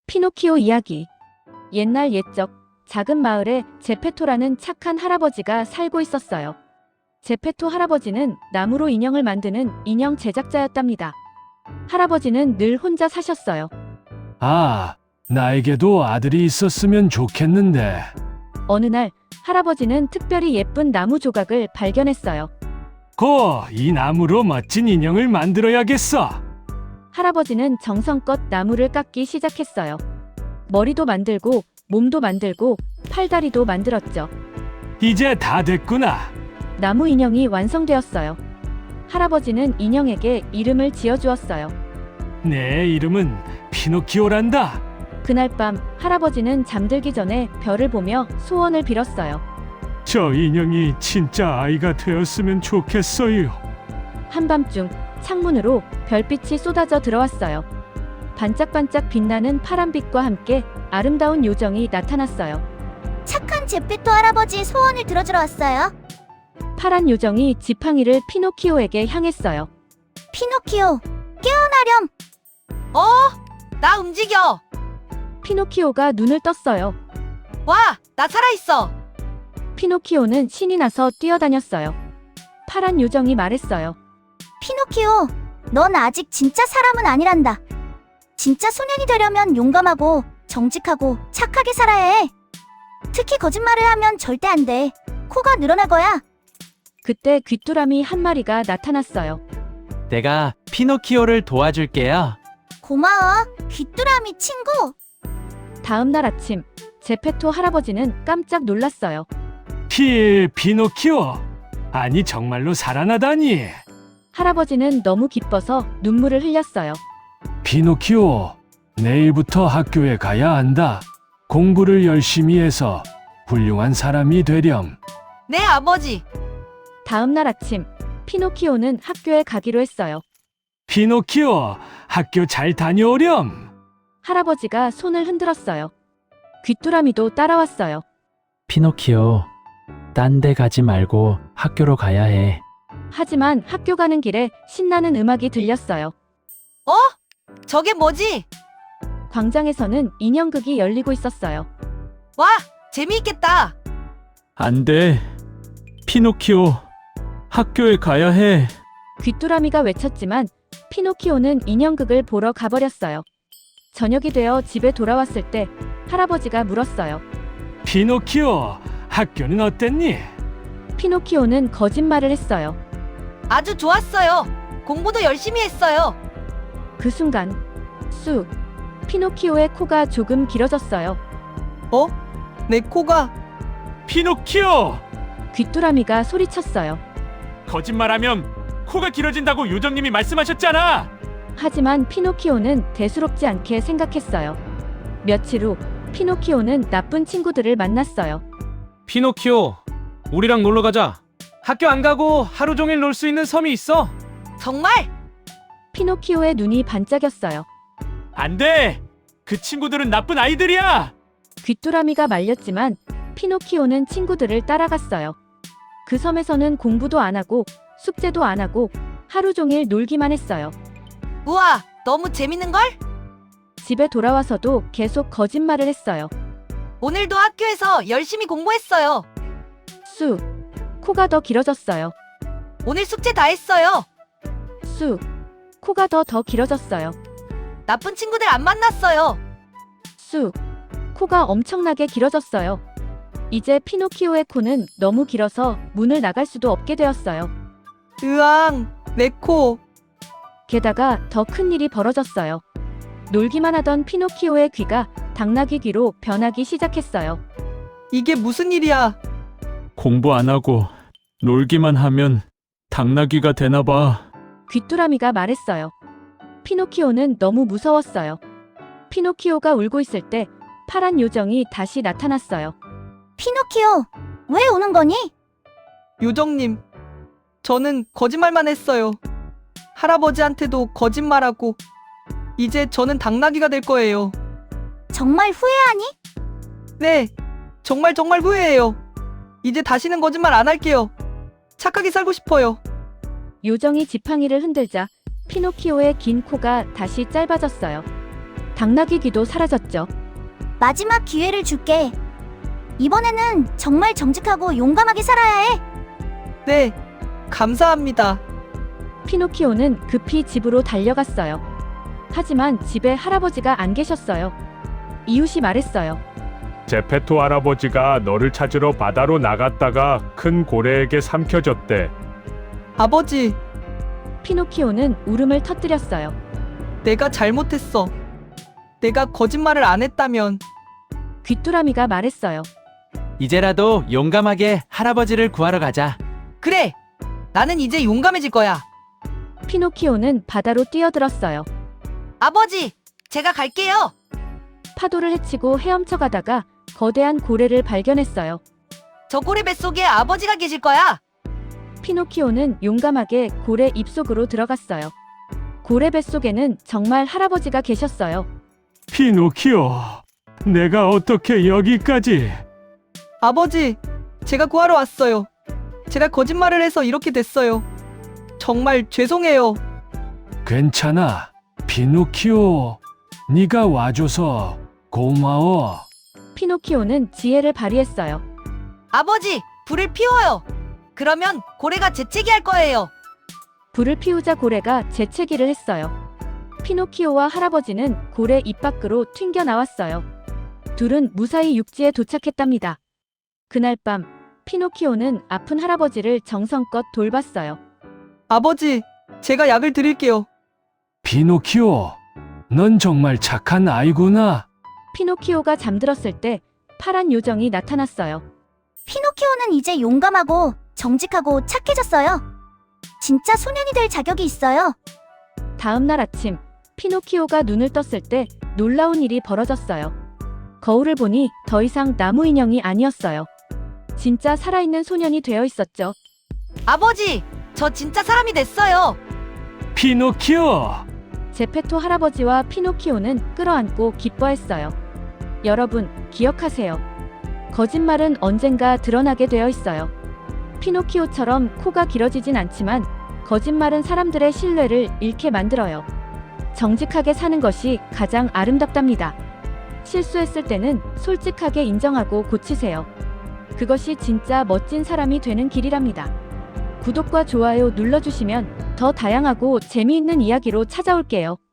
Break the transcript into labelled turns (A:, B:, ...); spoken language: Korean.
A: 피노키오 이야기. 옛날 옛적 작은 마을에 제페토라는 착한 할아버지가 살고 있었어요. 제페토 할아버지는 나무로 인형을 만드는 인형 제작자였답니다. 할아버지는 늘 혼자 사셨어요.
B: 아, 나에게도 아들이 있었으면 좋겠는데.
A: 어느 날 할아버지는 특별히 예쁜 나무 조각을 발견했어요.
B: 이 나무로 멋진 인형을 만들어야겠어.
A: 할아버지는 정성껏 나무를 깎기 시작했어요. 머리도 만들고 몸도 만들고 팔다리도 만들었죠.
B: 이제 다 됐구나.
A: 나무 인형이 완성되었어요. 할아버지는 인형에게 이름을 지어주었어요.
B: 내 이름은 피노키오란다.
A: 그날 밤 할아버지는 잠들기 전에 별을 보며 소원을 빌었어요.
B: 저 인형이 진짜 아이가 되었으면 좋겠어요.
A: 한밤중 창문으로 별빛이 쏟아져 들어왔어요. 반짝반짝 빛나는 파란빛과 함께 아름다운 요정이 나타났어요.
C: 착한 제페토 할아버지 소원을 들어주러 왔어요.
A: 파란 요정이 지팡이를 피노키오에게 향했어요.
C: 피노키오, 깨어나렴.
D: 나 움직여.
A: 피노키오가 눈을 떴어요.
D: 와, 나 살아있어.
A: 피노키오는 신이 나서 뛰어다녔어요. 파란 요정이 말했어요.
C: 피노키오, 넌 아직 진짜 사람은 아니란다. 진짜 소년이 되려면 용감하고 정직하고 착하게 살아야 해. 특히 거짓말을 하면 절대 안 돼. 코가 늘어날 거야.
A: 그때 귀뚜라미 한 마리가 나타났어요.
E: 내가 피노키오를 도와줄게요.
C: 고마워, 귀뚜라미 친구.
A: 다음 날 아침 제페토 할아버지는 깜짝 놀랐어요.
B: 피노키오. 아니, 정말로 살아나다니.
A: 할아버지는 너무 기뻐서 눈물을 흘렸어요.
B: 피노키오, 내일부터 학교에 가야 한다. 공부를 열심히 해서 훌륭한 사람이 되렴.
D: 네, 아버지.
A: 다음 날 아침 피노키오는 학교에 가기로 했어요.
B: 피노키오, 학교 잘 다녀오렴.
A: 할아버지가 손을 흔들었어요. 귀뚜라미도 따라왔어요.
E: 피노키오, 딴 데 가지 말고 학교로 가야 해.
A: 하지만 학교 가는 길에 신나는 음악이 들렸어요.
D: 저게 뭐지?
A: 광장에서는 인형극이 열리고 있었어요.
D: 와, 재미있겠다.
E: 안 돼. 피노키오, 학교에 가야 해.
A: 귀뚜라미가 외쳤지만 피노키오는 인형극을 보러 가버렸어요. 저녁이 되어 집에 돌아왔을 때 할아버지가 물었어요.
B: 피노키오, 학교는 어땠니?
A: 피노키오는 거짓말을 했어요.
D: 아주 좋았어요. 공부도 열심히 했어요.
A: 그 순간 쑥! 피노키오의 코가 조금 길어졌어요.
D: 내 코가.
B: 피노키오!
A: 귀뚜라미가 소리쳤어요.
B: 거짓말하면 코가 길어진다고 요정님이 말씀하셨잖아.
A: 하지만 피노키오는 대수롭지 않게 생각했어요. 며칠 후 피노키오는 나쁜 친구들을 만났어요.
F: 피노키오, 우리랑 놀러 가자. 학교 안 가고 하루 종일 놀 수 있는 섬이 있어.
D: 정말?
A: 피노키오의 눈이 반짝였어요.
B: 안 돼! 그 친구들은 나쁜 아이들이야!
A: 귀뚜라미가 말렸지만 피노키오는 친구들을 따라갔어요. 그 섬에서는 공부도 안 하고 숙제도 안 하고 하루 종일 놀기만 했어요.
D: 우와, 너무 재밌는걸?
A: 집에 돌아와서도 계속 거짓말을 했어요.
D: 오늘도 학교에서 열심히 공부했어요.
A: 쑥! 코가 더 길어졌어요.
D: 오늘 숙제 다 했어요.
A: 쑥! 코가 더 길어졌어요.
D: 나쁜 친구들 안 만났어요.
A: 쑥! 코가 엄청나게 길어졌어요. 이제 피노키오의 코는 너무 길어서 문을 나갈 수도 없게 되었어요.
D: 으앙, 내 코.
A: 게다가 더 큰 일이 벌어졌어요. 놀기만 하던 피노키오의 귀가 당나귀 귀로 변하기 시작했어요.
D: 이게 무슨 일이야?
E: 공부 안 하고 놀기만 하면 당나귀가 되나 봐.
A: 귀뚜라미가 말했어요. 피노키오는 너무 무서웠어요. 피노키오가 울고 있을 때 파란 요정이 다시 나타났어요.
C: 피노키오, 왜 우는 거니?
D: 요정님, 저는 거짓말만 했어요. 할아버지한테도 거짓말하고 이제 저는 당나귀가 될 거예요.
C: 정말 후회하니?
D: 네, 정말 후회해요. 이제 다시는 거짓말 안 할게요. 착하게 살고 싶어요.
A: 요정이 지팡이를 흔들자 피노키오의 긴 코가 다시 짧아졌어요. 당나귀 귀도 사라졌죠.
C: 마지막 기회를 줄게. 이번에는 정말 정직하고 용감하게 살아야 해.
D: 네, 감사합니다.
A: 피노키오는 급히 집으로 달려갔어요. 하지만 집에 할아버지가 안 계셨어요. 이웃이 말했어요.
G: 제페토 할아버지가 너를 찾으러 바다로 나갔다가 큰 고래에게 삼켜졌대.
D: 아버지,
A: 피노키오는 울음을 터뜨렸어요.
D: 내가 잘못했어. 내가 거짓말을 안 했다면.
A: 귀뚜라미가 말했어요.
H: 이제라도 용감하게 할아버지를 구하러 가자.
D: 그래, 나는 이제 용감해질 거야.
A: 피노키오는 바다로 뛰어들었어요.
D: 아버지, 제가 갈게요.
A: 파도를 헤치고 헤엄쳐 가다가 거대한 고래를 발견했어요.
D: 저 고래 뱃속에 아버지가 계실 거야.
A: 피노키오는 용감하게 고래 입속으로 들어갔어요. 고래 뱃속에는 정말 할아버지가 계셨어요.
E: 피노키오, 내가 어떻게 여기까지?
D: 아버지, 제가 구하러 왔어요. 제가 거짓말을 해서 이렇게 됐어요. 정말 죄송해요.
E: 괜찮아, 피노키오. 네가 와줘서 고마워.
A: 피노키오는 지혜를 발휘했어요.
D: 아버지, 불을 피워요. 그러면 고래가 재채기 할 거예요.
A: 불을 피우자 고래가 재채기를 했어요. 피노키오와 할아버지는 고래 입 밖으로 튕겨 나왔어요. 둘은 무사히 육지에 도착했답니다. 그날 밤 피노키오는 아픈 할아버지를 정성껏 돌봤어요.
D: 아버지, 제가 약을 드릴게요.
E: 피노키오, 넌 정말 착한 아이구나.
A: 피노키오가 잠들었을 때 파란 요정이 나타났어요.
C: 피노키오는 이제 용감하고 정직하고 착해졌어요. 진짜 소년이 될 자격이 있어요.
A: 다음 날 아침 피노키오가 눈을 떴을 때 놀라운 일이 벌어졌어요. 거울을 보니 더 이상 나무 인형이 아니었어요. 진짜 살아있는 소년이 되어 있었죠.
D: 아버지, 저 진짜 사람이 됐어요.
E: 피노키오.
A: 제페토 할아버지와 피노키오는 끌어안고 기뻐했어요. 여러분, 기억하세요. 거짓말은 언젠가 드러나게 되어 있어요. 피노키오처럼 코가 길어지진 않지만 거짓말은 사람들의 신뢰를 잃게 만들어요. 정직하게 사는 것이 가장 아름답답니다. 실수했을 때는 솔직하게 인정하고 고치세요. 그것이 진짜 멋진 사람이 되는 길이랍니다. 구독과 좋아요 눌러주시면 더 다양하고 재미있는 이야기로 찾아올게요.